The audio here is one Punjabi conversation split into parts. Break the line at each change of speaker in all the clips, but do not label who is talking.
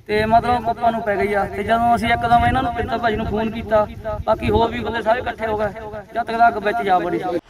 ਤੇ ਮਤਲਬ ਕੁੱਪਾਂ ਨੂੰ ਪੈ ਗਈ ਆ। ਤੇ ਜਦੋਂ ਅਸੀਂ ਇੱਕਦਮ ਇਹਨਾਂ ਨੂੰ ਪਿੰਦਰ ਭਾਜੀ ਨੂੰ ਫੋਨ ਕੀਤਾ, ਬਾਕੀ ਹੋਰ ਵੀ ਬੰਦੇ ਸਾਰੇ ਇਕੱਠੇ ਹੋ ਗਏ, ਜਦ ਤੱਕ ਅੱਗ ਵਿੱਚ ਜਾ ਵੜੀ ਸੀ।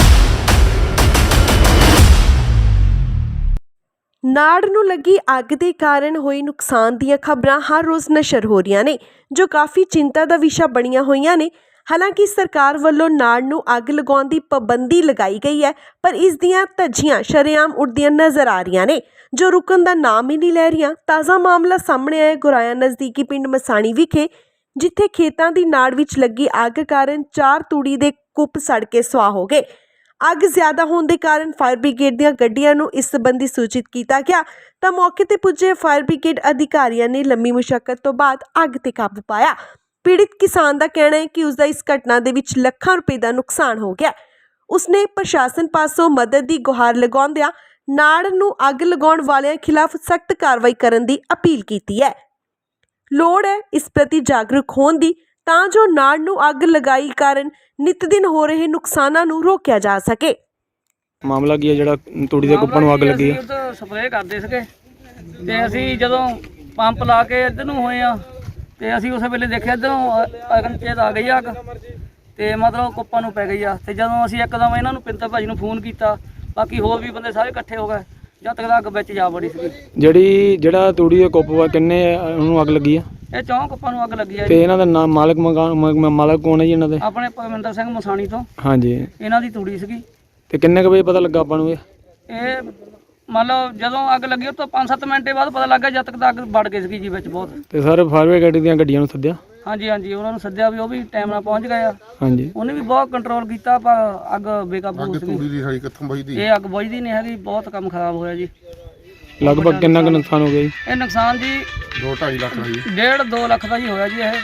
ਨਾੜ ਨੂੰ ਲੱਗੀ ਅੱਗ ਦੇ ਕਾਰਨ ਹੋਏ ਨੁਕਸਾਨ ਦੀਆਂ ਖਬਰਾਂ ਹਰ ਰੋਜ਼ ਨਸ਼ਰ ਹੋ ਰਹੀਆਂ ਨੇ, ਜੋ ਕਾਫੀ ਚਿੰਤਾ ਦਾ ਵਿਸ਼ਾ ਬਣੀਆਂ ਹੋਈਆਂ ਨੇ। ਹਾਲਾਂਕਿ ਸਰਕਾਰ ਵੱਲੋਂ ਨਾੜ ਨੂੰ ਅੱਗ ਲਗਾਉਣ ਦੀ ਪਾਬੰਦੀ ਲਗਾਈ ਗਈ ਹੈ, ਪਰ ਇਸ ਦੀਆਂ ਧੱਜੀਆਂ ਸ਼ਰੇਆਮ ਉੱਡਦੀਆਂ ਨਜ਼ਰ ਆ ਰਹੀਆਂ ਨੇ, ਜੋ ਰੁਕਣ ਦਾ ਨਾਮ ਹੀ ਨਹੀਂ ਲੈ ਰਹੀਆਂ। ਤਾਜ਼ਾ ਮਾਮਲਾ ਸਾਹਮਣੇ ਆਇਆ ਗੁਰਾਇਆ ਨਜ਼ਦੀਕੀ ਪਿੰਡ ਮਸਾਣੀ ਵਿਖੇ, ਜਿੱਥੇ ਖੇਤਾਂ ਦੀ ਨਾੜ ਵਿੱਚ ਲੱਗੀ ਅੱਗ ਕਾਰਨ 4 ਤੂੜੀ ਦੇ ਕੁੱਪ ਸੜ ਕੇ ਸੁਆਹ ਹੋ ਗਏ। ਅੱਗ ਜ਼ਿਆਦਾ ਹੋਣ ਦੇ ਕਾਰਨ ਫਾਇਰ ਬ੍ਰਿਗੇਡ ਦੀਆਂ ਗੱਡੀਆਂ ਨੂੰ ਇਸ ਸੰਬੰਧੀ ਸੂਚਿਤ ਕੀਤਾ ਗਿਆ ਤਾਂ ਮੌਕੇ ਤੇ ਪੁੱਜੇ ਫਾਇਰ ਬ੍ਰਿਗੇਡ ਅਧਿਕਾਰੀਆਂ ਨੇ ਲੰਮੀ ਮੁਸ਼ੱਕਤ ਤੋਂ ਬਾਅਦ ਅੱਗ ਤੇ ਕਾਬੂ ਪਾਇਆ। ਪੀੜਿਤ ਕਿਸਾਨ ਦਾ ਕਹਿਣਾ ਹੈ ਕਿ ਉਸ ਦਾ ਇਸ ਘਟਨਾ ਦੇ ਵਿੱਚ ਲੱਖਾਂ ਰੁਪਏ ਦਾ ਨੁਕਸਾਨ ਹੋ ਗਿਆ। ਉਸਨੇ ਪ੍ਰਸ਼ਾਸਨ ਪਾਸੋਂ ਮਦਦ ਦੀ ਗੁਹਾਰ ਲਗਾਉਂਦਿਆਂ ਨਾੜ ਨੂੰ ਅੱਗ ਲਗਾਉਣ ਵਾਲਿਆਂ ਖਿਲਾਫ ਸਖਤ ਕਾਰਵਾਈ ਕਰਨ ਦੀ ਅਪੀਲ ਕੀਤੀ ਹੈ। ਲੋੜ ਹੈ ਇਸ ਪ੍ਰਤੀ ਜਾਗਰੂਕ ਹੋਣ ਦੀ, ਤਾਂ ਜੋ ਨਾੜ ਨੂੰ ਅੱਗ ਲਗਾਈ ਕਾਰਨ ਨਿਤ ਦਿਨ ਹੋ ਰਹੇ ਨੁਕਸਾਨਾਂ ਨੂੰ ਰੋਕਿਆ ਜਾ ਸਕੇ।
ਮਾਮਲਾ ਕੀ ਹੈ ਜਿਹੜਾ ਤੂੜੀ ਦੇ ਕੁੱਪਾਂ ਨੂੰ ਅੱਗ ਲੱਗੀ ਹੈ?
ਅਸੀਂ ਸਪਰੇਅ ਕਰਦੇ ਸੀਗੇ ਤੇ ਅਸੀਂ ਜਦੋਂ ਪੰਪ ਲਾ ਕੇ ਇੱਧਰ ਨੂੰ ਹੋਏ ਆ ਤੇ ਅਸੀਂ ਉਸੇ ਵੇਲੇ ਦੇਖਿਆ ਇੱਧਰੋਂ ਅਗਨਚੇਤ ਆ ਗਈ ਅੱਗ ਤੇ ਮਤਲਬ ਕੁੱਪਾਂ ਨੂੰ ਪੈ ਗਈ ਆ। ਤੇ ਜਦੋਂ ਅਸੀਂ ਇੱਕਦਮ ਇਹਨਾਂ ਨੂੰ ਪਿੰਦਰ ਭਾਜੀ ਨੂੰ ਫੋਨ ਕੀਤਾ, ਬਾਕੀ ਹੋਰ ਵੀ ਬੰਦੇ ਸਾਰੇ ਇਕੱਠੇ ਹੋ ਗਏ, ਜਦ ਤੱਕ ਅੱਗ ਵਿੱਚ ਜਾ ਵੜੀ ਸੀ।
ਜਿਹੜਾ ਤੂੜੀ ਦੇ ਕੁੱਪ ਵਾ ਕਿੰਨੇ ਉਹਨੂੰ ਅੱਗ ਲੱਗੀ ਆ?
ਇਹ 4 ਕੁੱਪਾਂ ਨੂੰ ਅੱਗ ਲੱਗੀ ਆ।
ਤੇ ਇਹਨਾਂ ਦਾ ਨਾਮ ਮਾਲਕ ਕੌਣ ਹੈ ਜੀ ਇਹਨਾਂ ਦੇ?
ਆਪਣੇ ਪਰਮਿੰਦਰ ਸਿੰਘ ਮਸਾਣੀ ਤੋਂ।
ਹਾਂਜੀ, ਇਹਨਾਂ
ਦੀ ਤੂੜੀ ਸੀਗੀ।
ਤੇ ਕਿੰਨੇ ਕੁ ਵਜੇ ਪਤਾ ਲੱਗਾ ਆਪਾਂ ਨੂੰ?
ਇਹ ਮੰਨ ਲਓ ਜਦੋਂ ਅੱਗ ਲੱਗੀ ਉਹ ਤੋਂ 5-7 ਮਿੰਟੇ ਬਾਅਦ ਪਤਾ ਲੱਗਾ, ਜਦ ਤੱਕ ਤਾਂ ਅੱਗ ਵੜ ਗਈ ਸੀਗੀ ਜੀ ਵਿੱਚ ਬਹੁਤ।
ਤੇ ਸਰ ਫਾਇਰ ਬ੍ਰਿਗੇਡ ਦੀਆਂ ਗੱਡੀਆਂ ਨੂੰ ਸੱਦਿਆ?
ਹਾਂਜੀ, ਉਹਨਾਂ ਨੂੰ ਸੱਦਿਆ ਵੀ ਉਹ ਵੀ ਟਾਈਮ ਨਾਲ ਪਹੁੰਚ ਗਏ ਆ।
ਹਾਂਜੀ,
ਉਹਨੇ ਵੀ ਬਹੁਤ ਕੰਟਰੋਲ ਕੀਤਾ, ਪਰ ਅੱਗ ਬੇਕਾਬੂ ਹੋ ਗਈ। ਇਹ ਅੱਗ ਬੁਝਦੀ ਨਹੀਂ ਹੈਗੀ, ਬਹੁਤ ਕੰਮ ਖਰਾਬ ਹੋਇਆ ਜੀ।
ਲਗਭਗ ਕਿੰਨਾ ਕੁ ਨੁਕਸਾਨ ਹੋ ਗਿਆ ਜੀ?
ਇਹ ਨੁਕਸਾਨ ਜੀ
2-2.5 ਲੱਖ ਦਾ ਜੀ।
1.5-2 ਲੱਖ ਦਾ ਜੀ ਹੋਇਆ ਜੀ ਇਹ।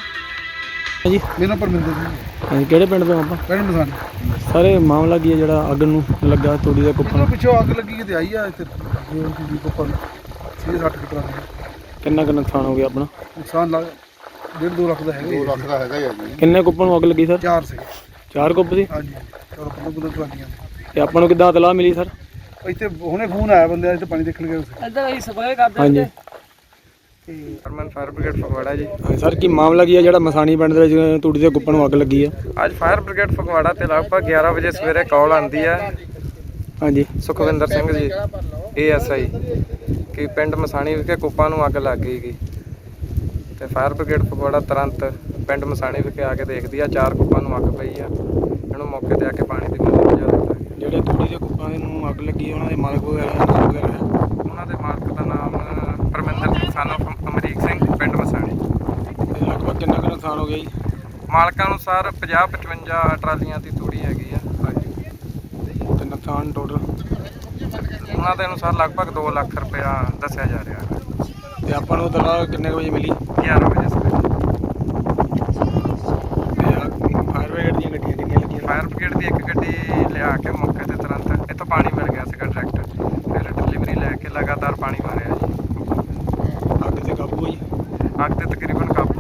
ਜੀ
ਮੇਰਾ ਪਰਮਿੰਦਰ ਜੀ।
ਹਾਂਜੀ, ਕਿਹੜੇ ਪਿੰਡ ਤੋਂ ਆਪਾਂ?
ਪਿੰਡ ਮਸਾਣੀ।
ਸਾਰੇ ਮਾਮਲਾ ਕੀ ਹੈ ਜਿਹੜਾ ਅੱਗ ਨੂੰ ਲੱਗਾ ਤੂੜੀ ਦੇ ਕੁੱਪਾਂ ਨੂੰ?
ਪਿੱਛੋਂ ਅੱਗ ਲੱਗੀ ਤੇ ਆਈ ਆ ਇੱਥੇ ਜੀ ਕੁੱਪਾਂ 6-8 ਕਿਤਰਾ
ਕਿੰਨਾ ਕੁ ਨੁਕਸਾਨ ਹੋ ਗਿਆ ਆਪਣਾ?
ਨੁਕਸਾਨ ਲੱਗ 1.5-2 ਲੱਖ ਦਾ ਹੈਗਾ। 2 ਲੱਖ ਦਾ ਹੈਗਾ ਜੀ।
ਕਿੰਨੇ ਕੁੱਪਾਂ ਨੂੰ ਅੱਗ ਲੱਗੀ ਸਰ?
4 ਸੀ।
4 ਕੁੱਪ ਸੀ?
ਹਾਂਜੀ, 4 ਕੁੱਪਾਂ ਕਰਾਂਦੀਆਂ।
ਤੇ ਆਪਾਂ ਨੂੰ ਕਿੱਦਾਂ ਇਤਲਾਹ ਮਿਲੀ ਸਰ?
ਇੱਥੇ ਹੁਣੇ ਫੋਨ ਆਇਆ ਬੰਦੇ ਇੱਥੇ ਪਾਣੀ ਦੇਖਣ ਗਏ।
ਇੱਧਰ ਅਸੀਂ ਸਪਰੇਅ ਕਰਦੇ
ਹਾਂਜੀ,
ਤੇ
ਹਰਮਨ ਫਾਇਰ ਬ੍ਰਿਗੇਡ ਫਗਵਾੜਾ ਜੀ।
ਸਰ ਕੀ ਮਾਮਲਾ ਕੀ ਹੈ ਜਿਹੜਾ ਮਸਾਣੀ ਪਿੰਡ ਦੇ ਵਿੱਚ ਤੂੜੀ ਦੇ ਕੁੱਪਾਂ ਨੂੰ ਅੱਗ ਲੱਗੀ ਹੈ?
ਅੱਜ ਫਾਇਰ ਬ੍ਰਿਗੇਡ ਫਗਵਾੜਾ ਤੇ ਲਗਭਗ 11 ਵਜੇ ਸਵੇਰੇ ਕਾਲ ਆਉਂਦੀ ਹੈ
ਹਾਂਜੀ,
ਸੁਖਵਿੰਦਰ ਸਿੰਘ ਜੀ ASI ਕਿ ਪਿੰਡ ਮਸਾਣੀ ਵਿਖੇ ਕੁੱਪਾਂ ਨੂੰ ਅੱਗ ਲੱਗ ਗਈ ਤੇ ਫਾਇਰ ਬ੍ਰਿਗੇਡ ਫਗਵਾੜਾ ਤੁਰੰਤ ਪਿੰਡ ਮਸਾਣੀ ਵਿਖੇ ਆ ਕੇ ਦੇਖਦੀ ਆ 4 ਕੁੱਪਾਂ ਨੂੰ ਅੱਗ ਪਈ ਆ। ਇਹਨੂੰ ਮੌਕੇ ਤੇ ਆ ਕੇ ਪਾਣੀ ਦੀ ਮਦਦ ਪਹੁੰਚਾ ਦਿੱਤਾ।
ਜਿਹੜੇ ਤੂੜੀ ਦੇ ਕੁੱਪਾਂ ਨੂੰ ਅੱਗ ਲੱਗੀ ਉਹਨਾਂ ਦੇ ਮਾਲਕ ਵਗੈਰਾ ਹੈ?
ਉਹਨਾਂ ਦੇ ਮਾਲਕ ਦਾ ਨਾਮ ਪਰਮਿੰਦਰ ਸਿੰਘ son of ਅਮਰੀਕ ਸਿੰਘ, ਪਿੰਡ ਮਸਾਣੀ।
ਤੇ ਲਗਭਗ ਕਿੰਨਾ ਕੁ ਨੁਕਸਾਨ ਹੋ ਗਿਆ ਜੀ?
ਮਾਲਕਾਂ ਅਨੁਸਾਰ 50-55 ਟਰਾਲੀਆਂ ਦੀ ਤੂੜੀ ਹੈਗੀ ਆ।
ਹਾਂਜੀ, ਤੇ ਨੁਕਸਾਨ ਟੋਟਲ
ਉਹਨਾਂ ਦੇ ਅਨੁਸਾਰ ਲਗਭਗ 2 ਲੱਖ ਰੁਪਇਆ ਦੱਸਿਆ ਜਾ ਰਿਹਾ ਹੈ।
ਤੇ ਆਪਾਂ ਨੂੰ ਤਲਾਹ ਕਿੰਨੇ ਵਜੇ ਮਿਲੀ?
11 ਵਜੇ ਸਵੇਰੇ।
ਤੇ ਫਾਇਰ ਬ੍ਰਿਗੇਡ ਦੀਆਂ ਗੱਡੀਆਂ ਕਿੰਨੀਆਂ ਲੱਗੀਆਂ?
ਫਾਇਰ ਬ੍ਰਿਗੇਡ ਦੀ ਇੱਕ ਗੱਡੀ ਲਿਆ ਕੇ ਮੌਕੇ ਤੇ ਤੁਰੰਤ ਇੱਥੋਂ ਪਾਣੀ ਮਿਲ ਗਿਆ ਸੀਗਾ ਡਾਇਰੈਕਟ, ਫਿਰ ਡਿਲੀਵਰੀ ਲੈ ਕੇ ਲਗਾਤਾਰ ਪਾਣੀ ਮਾਰਿਆ ਜੀ।
ਅੱਗ ਤੇ ਕਾਬੂ ਹੋਈ?
ਅੱਗ ਤੇ ਤਕਰੀਬਨ ਕਾਬੂ